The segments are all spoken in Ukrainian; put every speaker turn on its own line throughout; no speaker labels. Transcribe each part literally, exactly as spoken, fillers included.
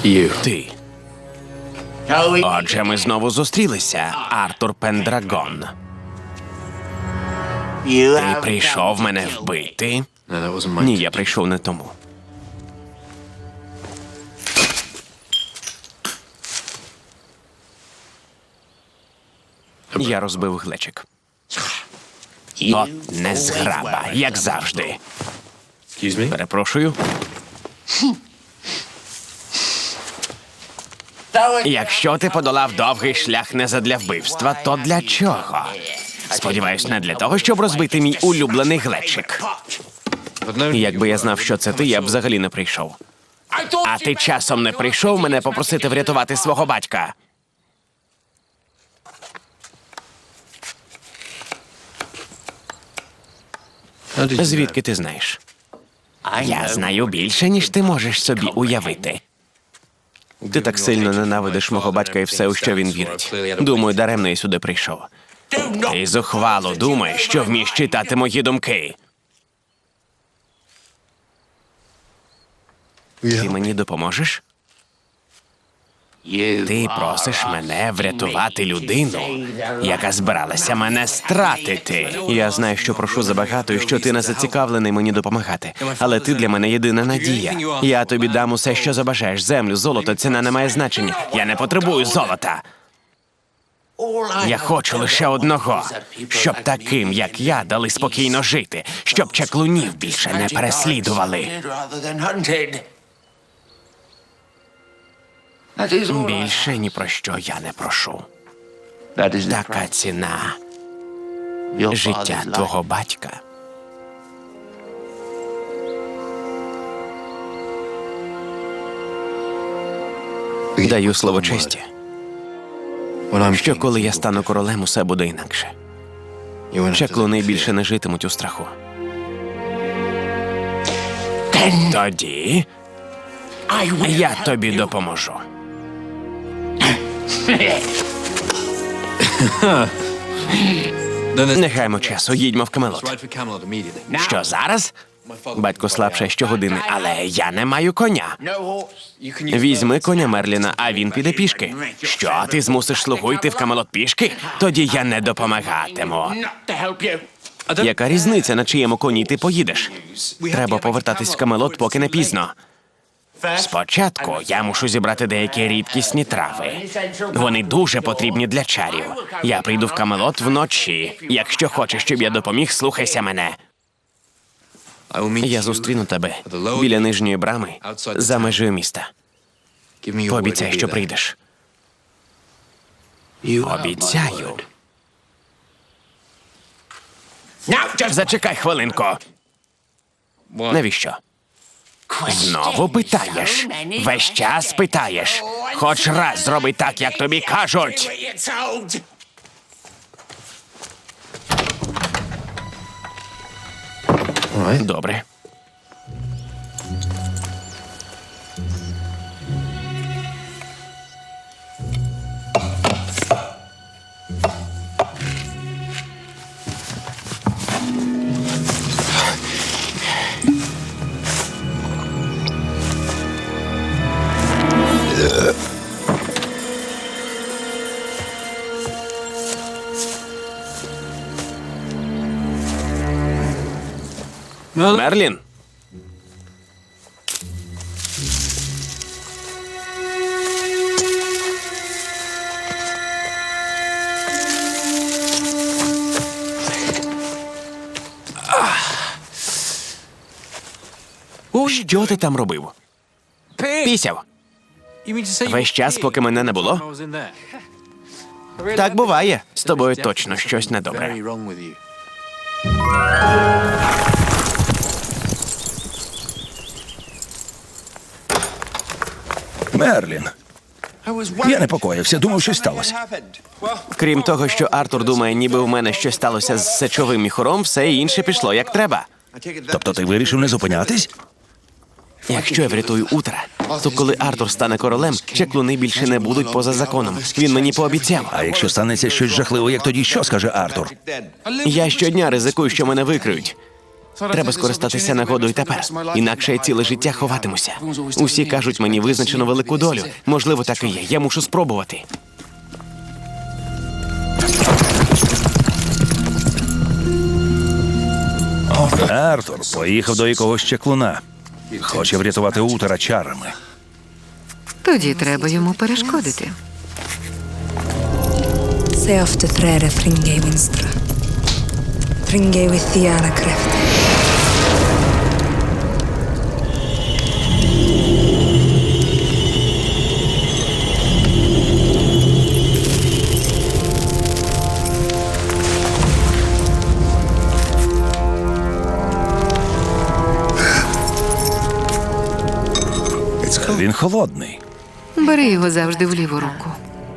Ти. Отже, ми знову зустрілися, Артур Пендрагон. Ти прийшов мене вбити? Ні, я прийшов не тому. Я розбив глечик. От незграба, як завжди. Перепрошую. Якщо ти подолав довгий шлях не задля вбивства, то для чого? Сподіваюсь, не для того, щоб розбити мій улюблений глечик. Якби я знав, що це ти, я б взагалі не прийшов. А ти часом не прийшов мене попросити врятувати свого батька? Звідки ти знаєш? Я знаю більше, ніж ти можеш собі уявити. Ти так сильно ненавидиш мого батька і все, у що він вірить. Думаю, даремно я сюди прийшов. Ти зухвало думаєш, що вмієш читати мої думки. Ти мені допоможеш? Ти просиш мене врятувати людину, яка збиралася мене стратити. Я знаю, що прошу забагато і що ти не зацікавлений мені допомагати. Але ти для мене єдина надія. Я тобі дам усе, що забажаєш. Землю, золото, ціна не має значення. Я не потребую золота. Я хочу лише одного, щоб таким, як я, дали спокійно жити, щоб чаклунів більше не переслідували. Більше ні про що я не прошу. Така ціна життя твого батька. Даю слово честі, що коли я стану королем, усе буде інакше. Чаклуни більше не житимуть у страху. Тоді я тобі допоможу. Не гаймо часу, їдьмо в Камелот. Що, зараз? Батько слабше щогодини, але я не маю коня. Візьми коня Мерліна, а він піде пішки. Що, ти змусиш слугу йти в Камелот пішки? Тоді я не допомагатиму. Яка різниця, на чиєму коні ти поїдеш? Треба повертатись в Камелот, поки не пізно. Спочатку я мушу зібрати деякі рідкісні трави. Вони дуже потрібні для чарів. Я прийду в Камелот вночі. Якщо хочеш, щоб я допоміг, слухайся мене. Я зустріну тебе біля нижньої брами за межею міста. Пообіцяй, що прийдеш. Обіцяю. Зачекай хвилинку. Навіщо? Знову питаєш? Весь час питаєш? Хоч раз зроби так, як тобі кажуть. Добре. Мерлін. Що ти там робив? Пісяв. Весь час, поки мене не було? Так буває. З тобою точно щось недобре.
Мерлін. Я непокоївся, думав, що сталося.
Крім того, що Артур думає, ніби в мене щось сталося з сечовим міхуром, все інше пішло як треба.
Тобто ти вирішив не зупинятись?
Якщо я врятую Утра, то коли Артур стане королем, чаклуни більше не будуть поза законом. Він мені пообіцяв.
А якщо станеться щось жахливе, як тоді що скаже Артур?
Я щодня ризикую, що мене викриють. Треба скористатися нагодою тепер, інакше я ціле життя ховатимуся. Усі кажуть, мені визначено велику долю. Можливо, так і є. Я мушу спробувати.
Артур поїхав до якогось чаклуна. Хоче врятувати Утера чарами.
Тоді треба йому перешкодити.
Se ofte trädet Fringay vinstra. Fringay with Thiana Kreft.
Він холодний.
Бери його завжди в ліву руку.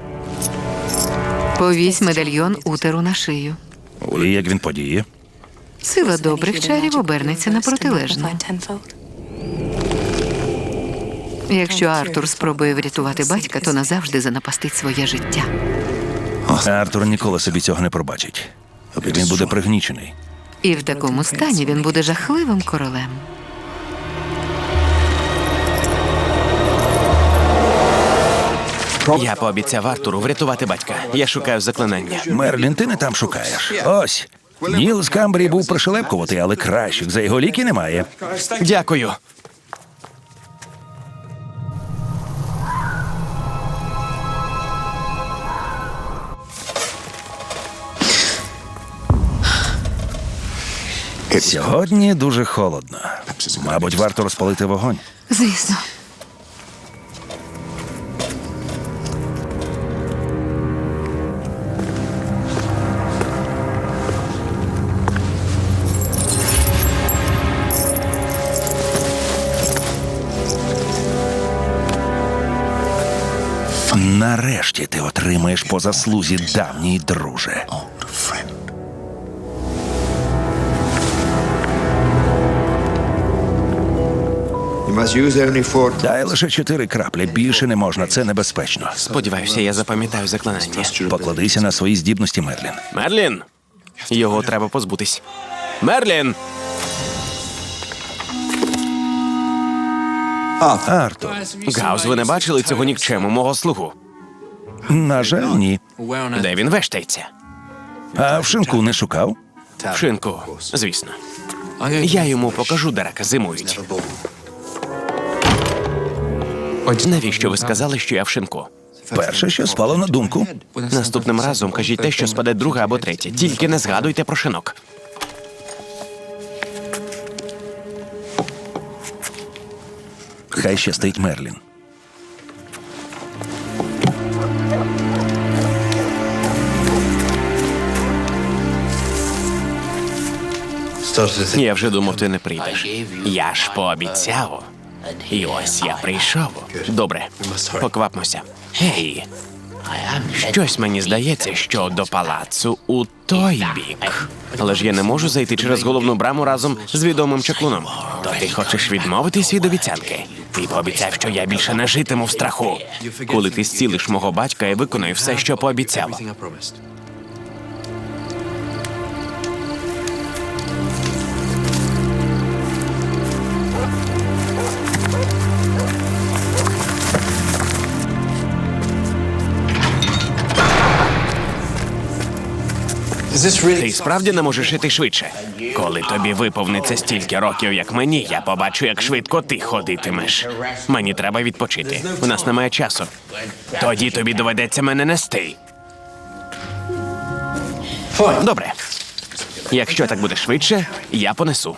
Повісь медальйон Утеру на шию.
І як він подіє?
Сила добрих чарів обернеться на протилежну. Якщо Артур спробує врятувати батька, то назавжди занапастить своє життя.
Артур ніколи собі цього не пробачить. Він буде пригнічений.
І в такому стані він буде жахливим королем.
Я пообіцяв Артуру врятувати батька. Я шукаю заклинання.
Мерлін, ти не там шукаєш. Ось. Ніл з Камбрії був пришелепкуватий, але кращих за його ліки немає.
Дякую.
Сьогодні дуже холодно. Мабуть, варто розпалити вогонь.
Звісно.
Нарешті ти отримаєш по заслузі, давній друже. Дай лише чотири краплі, більше не можна, це небезпечно.
Сподіваюся, я запам'ятаю заклинання.
Покладися на свої здібності, Мерлін.
Мерлін! Його треба позбутись. Мерлін!
Артур,
Гаус, ви не бачили цього нікчему, мого слугу?
на жаль, ні.
Де він вештається?
А в шинку не шукав?
В шинку, звісно. Я йому покажу, де раки зимують. Навіщо ви сказали, що я в шинку?
Перше, що спало на думку.
Наступним разом кажіть те, що спаде друге або третє. Тільки не згадуйте про шинок.
Хай щастить, Мерлін.
Я вже думав, ти не прийдеш. Я ж пообіцяв. І ось я прийшов. Добре, поквапмося. Гей, щось мені здається, що до палацу у той бік. Але ж я не можу зайти через головну браму разом з відомим чаклуном. То ти хочеш відмовитись від обіцянки? Ти пообіцяв, що я більше не житиму в страху. Коли ти зцілиш мого батька, я виконую все, що пообіцяв. Ти справді не можеш іти швидше? Коли тобі виповниться стільки років, як мені, я побачу, як швидко ти ходитимеш. Мені треба відпочити. У нас немає часу. Тоді тобі доведеться мене нести. Добре. Якщо так буде швидше, я понесу.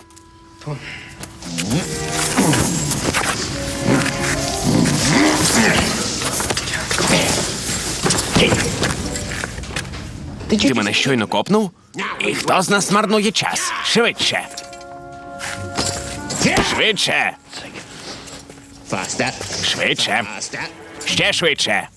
Ти мене щойно копнув? І хто з нас марнує час? Швидше! Швидше! Швидше! Ще швидше!